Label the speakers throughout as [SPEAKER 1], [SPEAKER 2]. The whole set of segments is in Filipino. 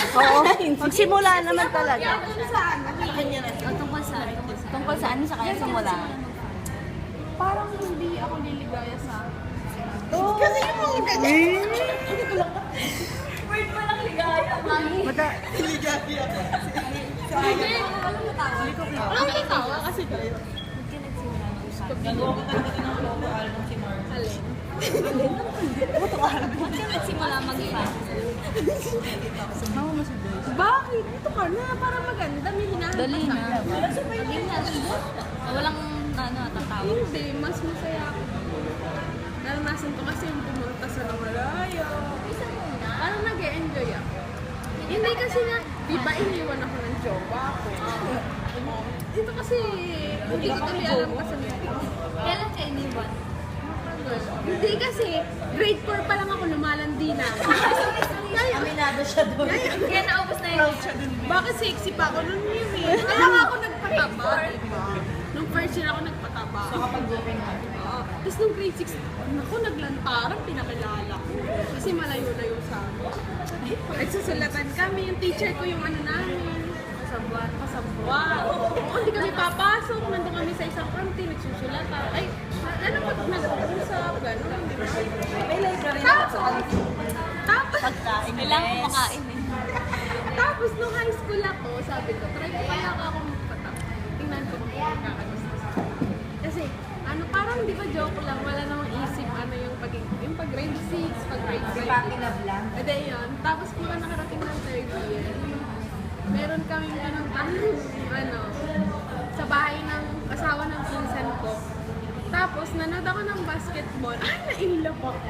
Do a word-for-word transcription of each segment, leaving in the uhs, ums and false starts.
[SPEAKER 1] Oo, magsimula naman talaga.
[SPEAKER 2] Tungkol saan?
[SPEAKER 3] O, tungkol saan? Tungkol saan? Tungkol saan sa kanya simula?
[SPEAKER 2] Parang hindi ako liligaya sa...
[SPEAKER 1] Kasi yung mga ganyan.
[SPEAKER 3] Word pa lang ligaya.
[SPEAKER 1] Mata,
[SPEAKER 2] Hindi, walang natawa. Walang natawa kasi kayo.
[SPEAKER 3] Gagawa ko talaga ng logo album si Mark.
[SPEAKER 2] Alin?
[SPEAKER 3] Ba't ka nagsimula mag-iba?
[SPEAKER 2] Bakit? Ito ka na, para maganda. May hinahanap
[SPEAKER 3] Dali
[SPEAKER 2] ka.
[SPEAKER 3] na. Dali na. Ah, Walang ano, tatawa.
[SPEAKER 2] Hindi, mas masaya ako. Naranasan ko kasi yung pumunta sa malayo. Parang nag-e-enjoy ako. Hindi kasi nga, di ba iniwan ako ng jowa ko? Dito kasi, hindi ko tuloy alam kasi
[SPEAKER 3] Kailan ka iniwan?
[SPEAKER 2] hindi kasi, grade four pa lang ako lumalandi na. Ngayon,
[SPEAKER 3] Aminado siya doon. Kaya naubos na yun.
[SPEAKER 2] bakit sexy pa ako nun yun eh? Kaya nga ako nagpataba, diba? Nung first year ako nagpataba.
[SPEAKER 3] So kapag open ka.
[SPEAKER 2] Oo. Tapos nung grade six, naku, naglantarang pinakilala ko. Kasi malayo-layo sa amin. Nagsusulatan kami, yung teacher ko yung ano namin. Kasabuan. Kasabuan. Oo, hindi kami papasok. Nandun kami sa isang kantin, nagsusulatan. Ay, ano po, nag-usap, gano'n. di ba?
[SPEAKER 3] May library
[SPEAKER 2] Tapos, tapos,
[SPEAKER 3] Pagkain. Kailangan kumakain eh.
[SPEAKER 2] tapos nung high school ako, sabi ko, try ko kaya ako akong magpatak. Tingnan ko kung magkakagusto sa akin. Kasi, ano, parang di ba joke lang, wala namang isip ano yung pag yung pag grade six, pag grade five.
[SPEAKER 3] lang.
[SPEAKER 2] E de yun. Tapos mga nakarating ng third year, meron kaming ganun tanong, ano, sa bahay ng asawa ng pinsan ko. Tapos, nanood ako ng basketball. Ay, na-inlove ako.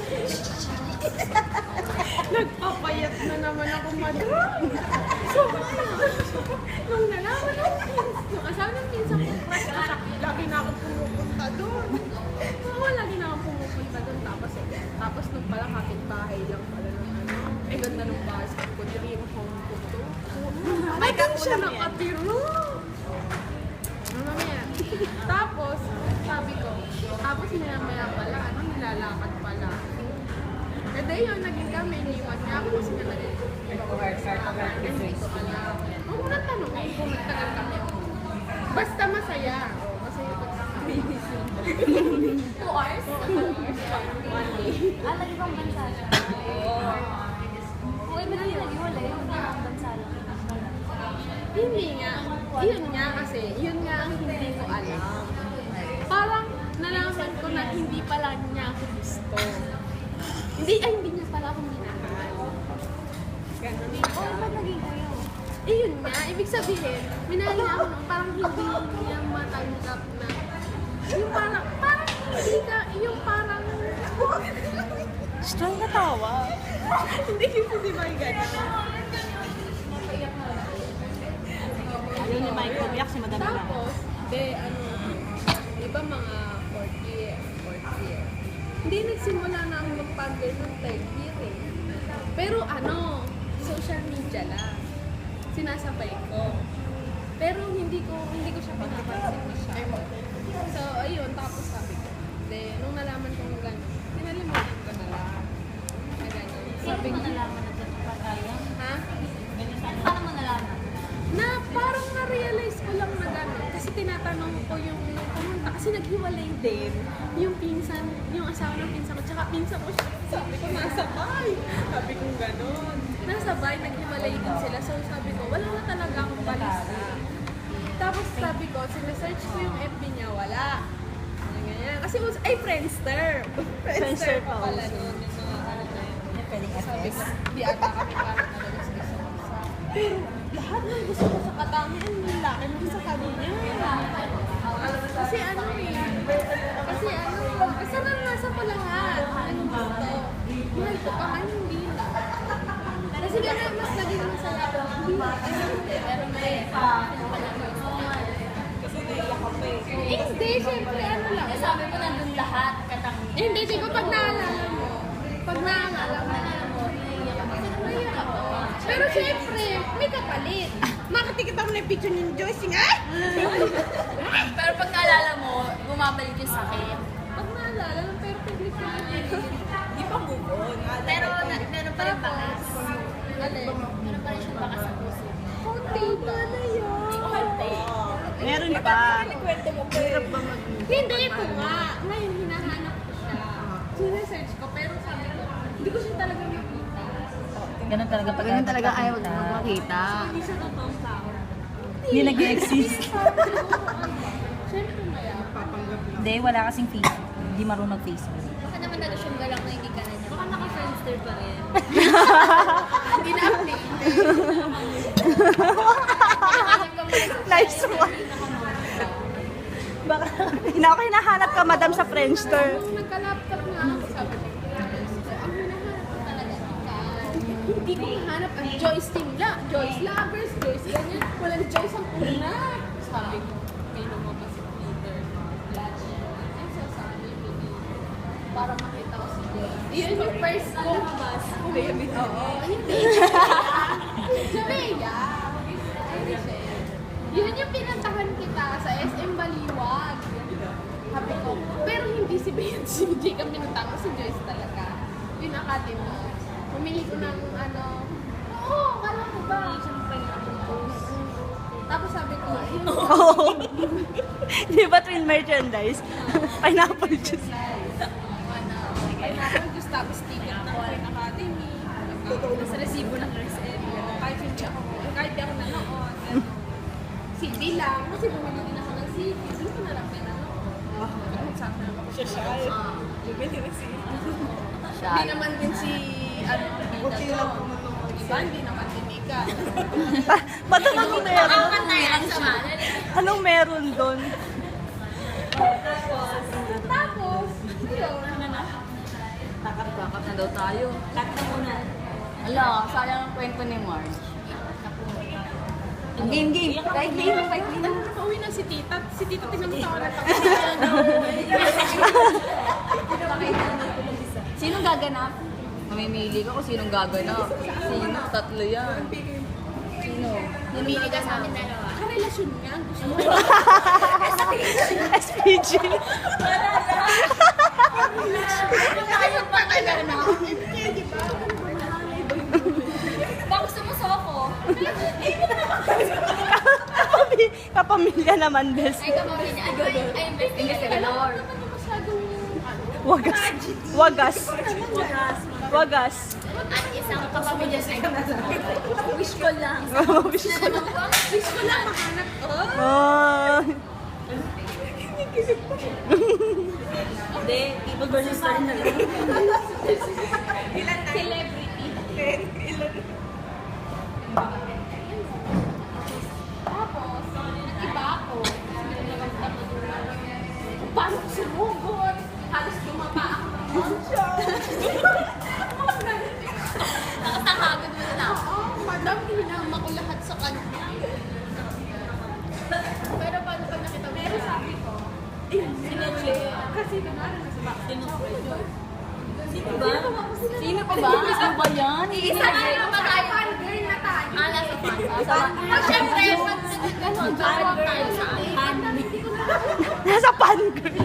[SPEAKER 2] Nagpapayat na naman ako, madam. So, nung nalaman ng yung asawa ng pinsan ko, crush ko siya. Lagi na ako pumupunta doon. Oo, lagi na ako pumupunta doon. Tapos, eh, tapos nung pala kapit-bahay lang pala ng ano. Eh, ganda ng basket ko. Dream home ko to. May kang siya nakatiro. Mamaya. Tapos, sabi ko, tapos maya-maya pala, ano, nilalakad pala. Kada yun, naging kami, iniwan niya ako kasi nga naging hindi ko alam. Huwag mo nang tanongin kung nagtagal kami. Basta masaya. Oo, masaya ko kami.
[SPEAKER 3] Two hours?
[SPEAKER 2] One day.
[SPEAKER 3] Ah, lagi bang bansa siya? Oo. Kung iba na yung nag-iwalay, yung ibang bansa lang.
[SPEAKER 2] Hindi nga. Yun nga kasi, yun nga ang hindi ko alam. Parang nalaman ko na hindi pala niya ako gusto. Hindi, ay hindi niya pala ako minahal. Ganun.
[SPEAKER 3] Oh, ba't naging kayo?
[SPEAKER 2] Eh yun nga, ibig sabihin, minahal niya ako nung parang hindi niya matanggap na yung parang, parang hindi ka, yung parang
[SPEAKER 1] strong na tawa.
[SPEAKER 2] hindi kasi di ba yung gano'n?
[SPEAKER 1] Ano ni Mike, umiyak si Madam lang.
[SPEAKER 2] Tapos, de, ano, iba mga fourth year, fourth year. Hindi nagsimula na ako mag-pander ng third year eh. Pero ano, social media lang. Sinasabay ko. Pero hindi ko, hindi ko siya pinapansin masyado. So, ayun, tapos sabi ko. De, nung nalaman kong gano'n, pinalimutan ko na lang. Na gano'n.
[SPEAKER 3] Sabi
[SPEAKER 2] Sabi
[SPEAKER 3] mo
[SPEAKER 2] ko,
[SPEAKER 3] nalaman na ito pa tayo?
[SPEAKER 2] ha?
[SPEAKER 3] Paano mo nalaman?
[SPEAKER 2] Na parang na-realize ko lang na gano'n. Kasi tinatanong ko yung nung pumunta. Kasi naghiwalay din. Yung pinsan, yung asawa ng pinsan ko. Tsaka pinsan ko siya. Sabi ko, nasa bahay. Sabi ko gano'n. Nasa bahay, naghiwalay din sila. So sabi ko, wala na talaga akong balisa. Tapos sabi ko, sinesearch ko yung F B niya, wala. Ganyan, ganyan. Kasi, us- ay, Friendster. Friendster pa pala noon. Yung mga ano na yun. Sabi ko, di ata kami parang talaga sa isa't isa. Pero lahat ng gusto ko sa katangian, yung laki nung sa kanya. Kasi ano eh, kasi ano, kasi naranasan ko lahat. Anong gusto. Mahal ko pa man, hindi na. Kasi gano'n, mas naging masaya ko. Hindi na. Ay, hindi. Pero may kasi naiyak ka pa eh. Eh, hindi. Siyempre, ano lang.
[SPEAKER 3] Eh, sabi mo nandun lahat, katang...
[SPEAKER 2] Eh, hindi. Di ko pag naalala mo. Pag naalala mo. Naiyak ako. Pero siyempre, may kapalit. Makatikita mo na yung picture ni Joyce nga.
[SPEAKER 3] Pero pag naalala mo, bumabalik yung sakit.
[SPEAKER 2] Pag naalala, ng perfectly fine.
[SPEAKER 3] Di pa move on. Pero na, meron pa rin bakas.
[SPEAKER 2] Alin?
[SPEAKER 3] Meron pa rin
[SPEAKER 1] di ba?
[SPEAKER 4] Hirap ba mag...
[SPEAKER 2] Hindi, ito nga. Ngayon, hinahanap ko siya. Sinesearch ko, pero sabi ko, hindi ko siya talaga makita.
[SPEAKER 1] Ganun talaga pag
[SPEAKER 4] Ganun talaga ayaw makita.
[SPEAKER 2] Hindi siya totoong tao.
[SPEAKER 1] Hindi nag-exist.
[SPEAKER 2] Siyempre maya.
[SPEAKER 1] Hindi, wala kasing Facebook. Hindi marunong Facebook.
[SPEAKER 3] Baka naman nag-assume ka lang na hindi ka na niya. Baka naka-friendster pa rin.
[SPEAKER 2] Hindi na update.
[SPEAKER 4] Nice one. Baka hina- hinahanap ka, madam, sa Friendster.
[SPEAKER 2] Nung nagka-laptop nga ako, sabi ko, ang hinahanap ko talaga ikaw. Hindi ko mahanap ang Joyce team la. Joyce lovers, Joyce ganyan. Walang Joyce ang una. Sabi ko, may lumabas si Peter. Ay, so sabi ko, para makita ko si Joyce. Yun yung first ko. Oo, hindi. Si Rhea. Hindi siya. Yun yung pinantahan kita sa S M Baliwag. Sabi ko, pero hindi si Bea at si J kami pinuntahan ko, si Joyce talaga. Yun ang kati mo. Pumili ko ng ano, oo, kala ko ba? Tapos sabi ko, yun.
[SPEAKER 4] Oo. Di ba twin merchandise? Pineapple juice.
[SPEAKER 2] Ano, pineapple juice, tapos ticket ng Foreign Academy. Tapos resibo ng S M. Kahit hindi ako, kahit di ako nanood. Ano, C D lang. Kasi bumili din ako ng C D. Hindi ko na lang pinanood. Sabi na ako siya siya. Bumili ng C D. Hindi naman din si, ano, Bida to. Iba, hindi naman din Mika.
[SPEAKER 4] Ba't anong meron?
[SPEAKER 3] na yan sa manan.
[SPEAKER 4] Anong meron doon?
[SPEAKER 2] Tapos, yun.
[SPEAKER 1] Kakap na daw tayo. Kakap na muna. Ala, sayang ang kwento ni Marge. Game, game. Kahit game, kahit game.
[SPEAKER 2] Ano, nakauwi na si Tita. Si Tita tinamutawa na
[SPEAKER 1] Sinong gaganap? Mamimili ka kung sinong gaganap. Sino? Tatlo yan. Sino?
[SPEAKER 3] Namili ka sa amin dalawa.
[SPEAKER 2] Karelasyon nga ang gusto mo.
[SPEAKER 4] S P G.
[SPEAKER 3] Tayo pa talaga na. Baka gusto mo soko.
[SPEAKER 4] Kapamilya naman, bes.
[SPEAKER 3] Ay, kamawin niya. Ay, ay, ay, investigador.
[SPEAKER 2] Ano masyadong, ano,
[SPEAKER 4] Wagas. Wagas. Wagas.
[SPEAKER 3] At isang kapamilya sa wish ko lang.
[SPEAKER 4] Wish ko lang.
[SPEAKER 2] wish ko lang mahanap. Oh,
[SPEAKER 4] Oh.
[SPEAKER 1] Hindi, ibag-versus tayo na lang.
[SPEAKER 2] celebrity. Tapos, nag-iba ako. Paano ko sumugot? Halos dumapa ako ng conscious.
[SPEAKER 3] Nakasakagod mo na ako.
[SPEAKER 2] Oo, madam, hinama ko lahat sa kanya. Pero paano pag nakita mo? Pero sabi ko, eh, sinuli. Kasi nanalo na si Max.
[SPEAKER 1] Sino ba? Sino pa ba? Sino ba yan?
[SPEAKER 3] Isa na lang ba tayo?
[SPEAKER 2] Fangirl na tayo.
[SPEAKER 3] Ah, nasa fan. Pag syempre, pag gano'n, gano'n tayo sa fan.
[SPEAKER 4] Nasa pan girl.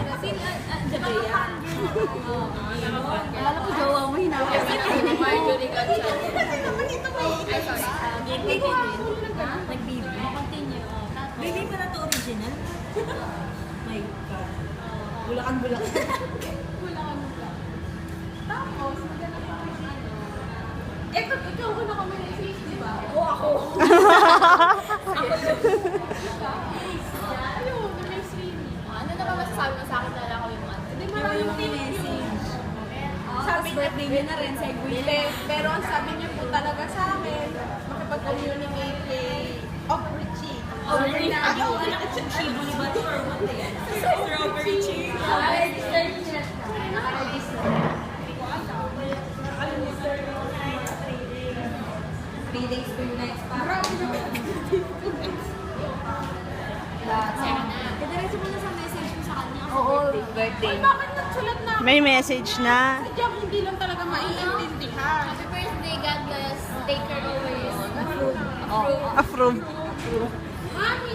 [SPEAKER 1] Akala ko jowa mo, hinawa.
[SPEAKER 3] Marjorie Gonzalez.
[SPEAKER 2] Ay, sorry.
[SPEAKER 1] Nag-baby. Continue. Baby pa na to original? My God. Bulakan-bulakan.
[SPEAKER 2] Wala ka nung plan. Tapos, maganda pa rin ano. Eto, ikaw ko na kami ng face, di ba? O ako. Ayun, may swimming.
[SPEAKER 3] Ano naman masasabi mo sa akin na lang ako yung ano?
[SPEAKER 2] Hindi, maraming thank you. Sabi niya,
[SPEAKER 1] birthday niya na rin sa
[SPEAKER 2] Hindi, pero ang sabi niya po talaga sa akin, makipag-communicate kay Oprichy.
[SPEAKER 1] Strawberry ba to or what eh? Strawberry cheese.
[SPEAKER 3] Naka-register niya. Naka-register.
[SPEAKER 1] Three days, two nights pa.
[SPEAKER 2] Grabe naman.
[SPEAKER 3] Sana. Diretso mo na sa message ko sa kanya.
[SPEAKER 1] Oo, birthday.
[SPEAKER 2] Ay, bakit nagsulat na ako?
[SPEAKER 4] May message na.
[SPEAKER 2] Sadyang hindi lang talaga maiintindihan.
[SPEAKER 3] Happy birthday, God bless. Take care always.
[SPEAKER 1] Oo.
[SPEAKER 4] Approve.
[SPEAKER 2] Mami!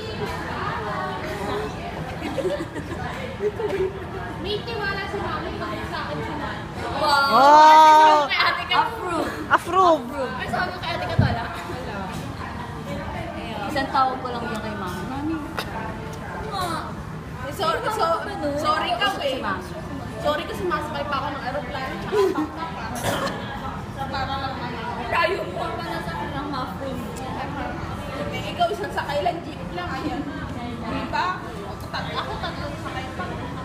[SPEAKER 2] May tiwala si Mami pag sa akin si Mami.
[SPEAKER 3] Wow.
[SPEAKER 4] Wow.
[SPEAKER 3] Kay ate ka.
[SPEAKER 1] Approve.
[SPEAKER 4] Approve.
[SPEAKER 3] Ay, sabi ko kay ate ka tala.
[SPEAKER 1] Isang tawag ko lang yan kay mama. Mami.
[SPEAKER 2] sorry, so, sorry ka eh. Sorry kasi sumasakay pa ako ng aeroplano. Para lang ano. Tayo mo pa na sa ng muffin. Eh, ikaw isang sakay lang, jeep lang. Ayan. Diba? Ako tatlong sakay pa.